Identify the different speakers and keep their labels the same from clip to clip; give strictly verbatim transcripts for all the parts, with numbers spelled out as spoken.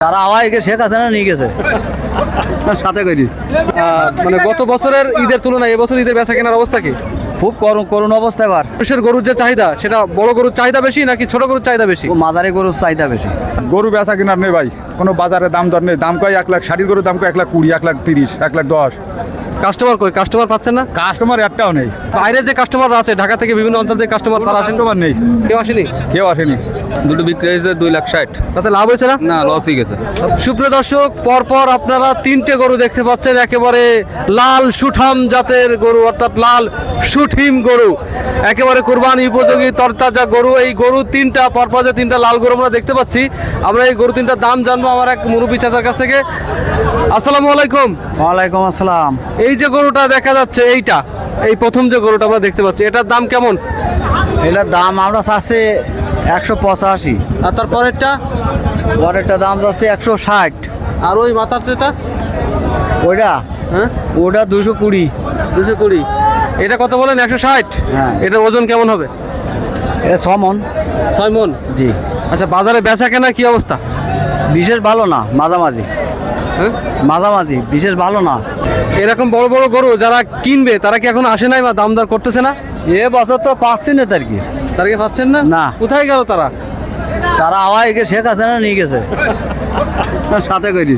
Speaker 1: তারা হাওয়াইকে শেখ হাসিনা নিয়ে গেছে সাথে করি।
Speaker 2: মানে গত বছরের ঈদের তুলনায় এবছর ঈদের বেচা কেনার অবস্থা কি?
Speaker 1: খুব করুণ করুণ অবস্থা। এবার
Speaker 2: মানুষের গরুর যে চাহিদা সেটা বড় গরুর চাহিদা বেশি নাকি ছোট গরুর চাহিদা বেশি?
Speaker 1: ও মাঝারি গরুর চাহিদা বেশি।
Speaker 3: গরু বেচা কিনার নেই ভাই, কোনো বাজারে দাম দর নেই। দাম কয় এক লাখ, ষাটির গরুর দাম কয় এক লাখ কুড়ি, এক লাখ তিরিশ, এক লাখ দশ।
Speaker 2: কাস্টমার কই? কাস্টমার পাচ্ছেন না?
Speaker 3: কাস্টমার একটাও নেই।
Speaker 2: বাইরে যে কাস্টমার আছে ঢাকা থেকে বিভিন্ন অঞ্চল থেকে কাস্টমার, তারা আসেন?
Speaker 3: কাস্টমার নেই,
Speaker 2: কেউ আসেনি?
Speaker 3: কেউ আসেনি।
Speaker 4: দুটো বিক্রি হয়েছে দুই লাখ ষাট।
Speaker 2: তাতে লাভ হয়েছে না?
Speaker 4: না, লসই গেছে।
Speaker 2: সুপ্রিয় দর্শক, পরপর আপনারা তিনটে গরু দেখতে পাচ্ছেন, একেবারে লাল সুঠাম জাতের গরু, অর্থাৎ লাল সুঠিম গরু, একেবারে কুরবানি উপযোগী তরতাজা গরু। এই গরু তিনটা, পরপর যে তিনটা লাল গরু আমরা দেখতে পাচ্ছি, আমরা এই গরু তিনটার দাম জানবো আমার এক মুরব্বী চাচার কাছ থেকে। আসসালামু আলাইকুম।
Speaker 1: ওয়ালাইকুম আসসালাম।
Speaker 2: এই যে গরুটা দেখা যাচ্ছে, এইটা এই প্রথম যে গরুটা আমরা দেখতে পাচ্ছি, এটার দাম কেমন?
Speaker 1: এটার দাম আমরা চাচ্ছি একশো পঁচাশি।
Speaker 2: আর তারপরেরটা?
Speaker 1: পরেরটা দাম যাচ্ছে একশো ষাট।
Speaker 2: আর ওই মাথার যেটা,
Speaker 1: ওইটা
Speaker 2: হ্যাঁ
Speaker 1: ওটা দুশো কুড়ি।
Speaker 2: দুশো কুড়ি। এটা কত বলেন? একশো ষাট।
Speaker 1: হ্যাঁ।
Speaker 2: এটার ওজন কেমন হবে?
Speaker 1: এটা ছমন।
Speaker 2: ছয় মন।
Speaker 1: জি।
Speaker 2: আচ্ছা, বাজারে বেচা কেনা কি অবস্থা?
Speaker 1: বিশেষ ভালো না, মাঝামাঝি।
Speaker 2: হ্যাঁ,
Speaker 1: মাঝামাঝি, বিশেষ ভালো না।
Speaker 2: এরকম বড় বড় গরু যারা কিনবে তারা কি এখন আসে নাই বা দাম দর করতেছে না?
Speaker 1: এ বছর তো পাচ্ছি না তার কি।
Speaker 2: তারা কি পাচ্ছেন না?
Speaker 1: না।
Speaker 2: কোথায় গেল তারা?
Speaker 1: তারা হাওয়াইকে শেখ হাসিনা নিয়ে গেছে সাথে করি।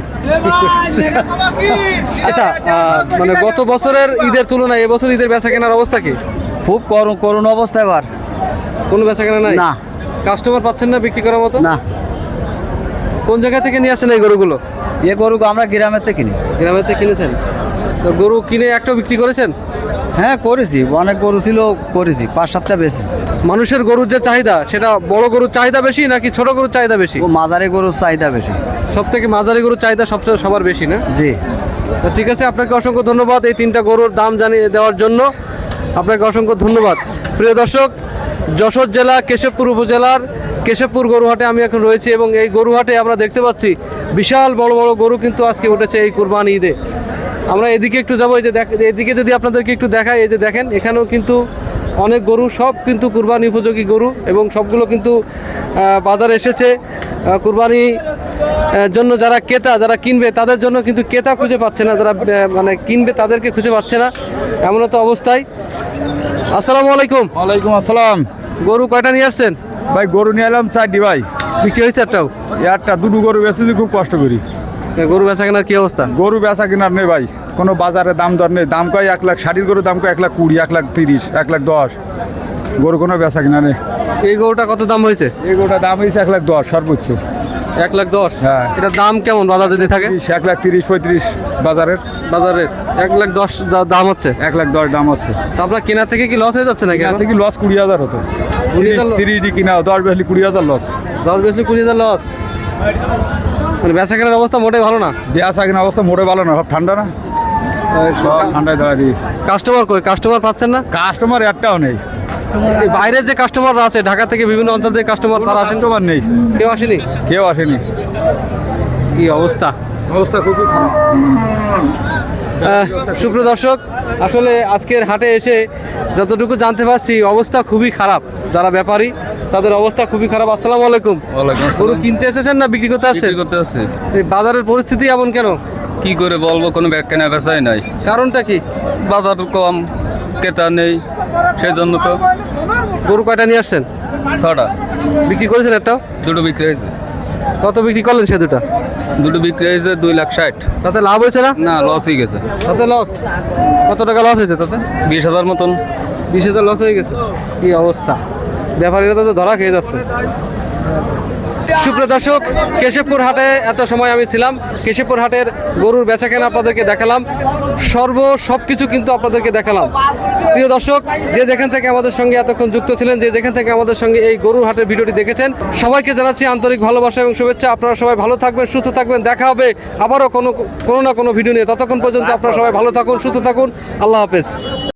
Speaker 2: আচ্ছা, আহ, মানে গত বছরের ঈদের তুলনায় এবছর ঈদের বেচা কেনার অবস্থা কি?
Speaker 1: খুব করুণ করুণ অবস্থা। এবার
Speaker 2: কোনো বেচা কেনা নাই?
Speaker 1: না।
Speaker 2: কাস্টমার পাচ্ছেন না বিক্রি করার মতো?
Speaker 1: না।
Speaker 2: কোন জায়গা থেকে নিয়ে আসেন এই গরুগুলো?
Speaker 1: এ গরু আমরা গ্রামের থেকে কিনি।
Speaker 2: গ্রামের থেকে কিনেছেন? তো গরু কিনে একটাও বিক্রি করেছেন?
Speaker 1: হ্যাঁ করেছি, অনেক গরু ছিল, করেছি, পাঁচ সাতটা বেশি।
Speaker 2: মানুষের গরুর যে চাহিদা সেটা বড় গরুর চাহিদা বেশি নাকি ছোট গরুর চাহিদা বেশি?
Speaker 1: ও মাঝারি গরুর চাহিদা বেশি।
Speaker 2: সব থেকে মাঝারি গরুর চাহিদা সবচেয়ে সবার বেশি না?
Speaker 1: জি।
Speaker 2: তো ঠিক আছে, আপনাকে অসংখ্য ধন্যবাদ এই তিনটা গরুর দাম জানিয়ে দেওয়ার জন্য। আপনাকে অসংখ্য ধন্যবাদ। প্রিয় দর্শক, যশোর জেলা কেশবপুর উপজেলার কেশবপুর গরুহাটে আমি এখন রয়েছি এবং এই গরুহাটে আমরা দেখতে পাচ্ছি বিশাল বড় বড় গরু কিন্তু আজকে উঠেছে এই কুরবানি ঈদে। আমরা এদিকে একটু যাবো, এই যে দেখ, এদিকে যদি আপনাদেরকে একটু দেখাই, এই যে দেখেন এখানেও কিন্তু অনেক গরু, সব কিন্তু কুরবানি উপযোগী গরু এবং সবগুলো কিন্তু আহ, বাজারে এসেছে আহ, কুরবানি আহ, জন্য। যারা ক্রেতা, যারা কিনবে তাদের জন্য কিন্তু ক্রেতা খুঁজে পাচ্ছে না, যারা আহ, মানে কিনবে তাদেরকে খুঁজে পাচ্ছে না, এমন তো অবস্থায়। আসসালামু আলাইকুম।
Speaker 3: ওয়ালাইকুম আসসালাম।
Speaker 2: গরু কয়টা নিয়ে আসছেন?
Speaker 3: ভাই গরু নিয়ে এলাম চারটি ভাই।
Speaker 2: বিক্রি হয়েছে একটাও?
Speaker 3: একটা দুটো গরু বেচেছি, খুব কষ্ট করি।
Speaker 2: গরু বেচা কেনার কি অবস্থা?
Speaker 3: গরু বেচা কিনার নেই ভাই, কোনো বাজারে দাম দর নেই। দাম কয় এক লাখ, ষাটির গরুর দাম কয় এক লাখ কুড়ি, এক লাখ তিরিশ, এক লাখ দশ। গরু কোনো বেচা কিনা নেই।
Speaker 2: এই গরুটা কত দাম হয়েছে?
Speaker 3: এই গরুটার দাম হয়েছে এক লাখ দশ সর্বোচ্চ।
Speaker 2: এক লাখ দশ?
Speaker 3: হ্যাঁ।
Speaker 2: এটার দাম কেমন বাজার যদি থাকে?
Speaker 3: তিরিশ, এক লাখ তিরিশ পঁয়ত্রিশ বাজারের।
Speaker 2: বাজারে এক লাখ দশ যা- দাম হচ্ছে।
Speaker 3: এক লাখ দশ দাম হচ্ছে।
Speaker 2: তা আপনার কেনার থেকে কি লস হয়ে যাচ্ছে নাকি?
Speaker 3: এখান থেকে লস কুড়ি হাজার হতো।
Speaker 2: কুড়ি হাজার ল-
Speaker 3: তিরিশ কিনা, দশ বেশি কুড়ি হাজার লস।
Speaker 2: দশ বেশি কুড়ি হাজার লস, মানে বেচা কেনার অবস্থা মোটেই ভালো না।
Speaker 3: বেচা কিনা অবস্থা মোটে ভালো না, সব ঠান্ডা না, সব ঠান্ডায় দাঁড়া দিই।
Speaker 2: কাস্টমার কই? কাস্টমার পাচ্ছেন না?
Speaker 3: কাস্টমার একটাও নেই।
Speaker 2: এই বাইরে যে কাস্টমার আছে ঢাকা থেকে বিভিন্ন অঞ্চল থেকে কাস্টমার, তারা আসেন?
Speaker 3: কাস্টমার নেই,
Speaker 2: কেউ আসেনি?
Speaker 3: কেউ আসেনি।
Speaker 2: কি অবস্থা!
Speaker 3: অবস্থা খুবই খারাপ।
Speaker 2: আহ, সুপ্রিয় দর্শক, আসলে আজকের হাটে এসে যতটুকু জানতে পারছি অবস্থা খুবই খারাপ। যারা ব্যাপারী তাদের অবস্থা খুবই খারাপ। আসসালামু আলাইকুম।
Speaker 4: ওয়ালাইকুম
Speaker 2: গরু
Speaker 4: আসসালাম।
Speaker 2: কিনতে এসেছেন না বিক্রি করতে আসছেন?
Speaker 4: বিক্রি করতে আসছে।
Speaker 2: এই বাজারের পরিস্থিতি এমন কেন?
Speaker 4: কি করে বলবো, কোনো ব্যাগ কেনা বেচাই নাই।
Speaker 2: কারণটা কি?
Speaker 4: বাজার কম, ক্রেতা নেই, সেই জন্য তো।
Speaker 2: গরু কয়টা নিয়ে আসছেন?
Speaker 4: ছটা।
Speaker 2: বিক্রি করেছেন একটাও?
Speaker 4: দুটো বিক্রি হয়েছে।
Speaker 2: কত বিক্রি করলেন সে দুটা?
Speaker 4: দুটো বিক্রি হয়েছে দুই লাখ ষাট।
Speaker 2: তাতে লাভ হয়েছে না?
Speaker 4: না, লসই গেছে।
Speaker 2: তাতে লস? কত টাকা লস হয়েছে তাতে?
Speaker 4: বিশ হাজার মতন।
Speaker 2: বিশ হাজার লস হয়ে গেছে। কি অবস্থা! ব্যাপারীরা তো ধরা খেয়ে যাচ্ছে। সুপ্রিয় দর্শক, কেশবপুর হাটে এত সময় আমি ছিলাম। কেশবপুর হাটের গরুর বেচাকেনা আপনাদেরকে দেখালাম, সর্ব সব কিছু কিন্তু আপনাদেরকে দেখালাম। প্রিয় দর্শক, যে যেখান থেকে আমাদের সঙ্গে এতক্ষণ যুক্ত ছিলেন, যে যেখান থেকে আমাদের সঙ্গে এই গরুর হাটের ভিডিওটি দেখেছেন, সবাইকে জানাচ্ছি আন্তরিক ভালোবাসা এবং শুভেচ্ছা। আপনারা সবাই ভালো থাকবেন, সুস্থ থাকবেন। দেখা হবে আবারও কোনো কোনো না কোনো ভিডিও নিয়ে। ততক্ষণ পর্যন্ত আপনারা সবাই ভালো থাকুন, সুস্থ থাকুন। আল্লাহ হাফেজ।